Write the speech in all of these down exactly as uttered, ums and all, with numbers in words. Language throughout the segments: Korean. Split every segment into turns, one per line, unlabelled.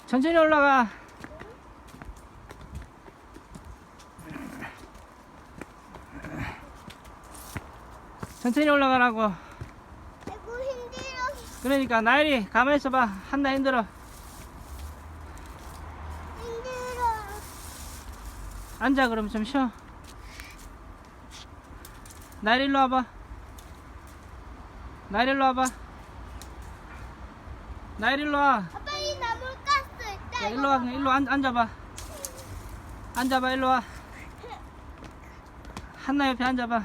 천천히 올라가. 천천히 올라가라고.
아이고 힘들어.
그러니까 나일이 가만히 있어봐. 한나 힘들어.
힘들어.
앉아. 그럼 좀 쉬어. 나일 일로 와봐. 나일 일로 와봐. 나일 일로 와.
아빠 이 나물 가스 있다.
야, 일로 와. 일로 앉, 앉아봐. 앉아봐. 일로 와. 한나 옆에 앉아봐.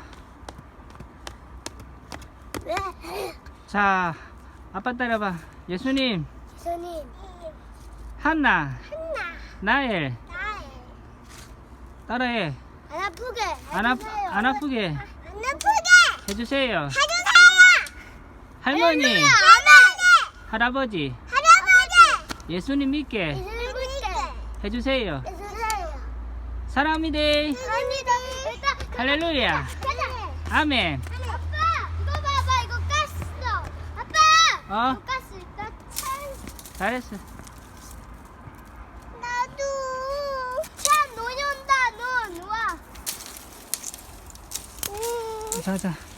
왜?
자, 아빠 따라봐. 예수님,
손님.
한나,
한나.
나엘
나의.
따라해.
안 아프게.
안, 아,
해주세요.
안 아프게
안 아프게.
해주세요.
해주세요.
할머니,
할머니.
할아버지,
할아버지.
예수님 믿게
예수님께.
해주세요.
해주세요.
사랑합니다.
감사합니다.
할렐루야.
가자.
아멘.
아빠, 이거 봐봐. 이거 가스. 아빠.
어?
이거 가스 있다. 참.
잘했어.
나도. 참, 눈이 온다. 눈. 와. 음.
자, 자.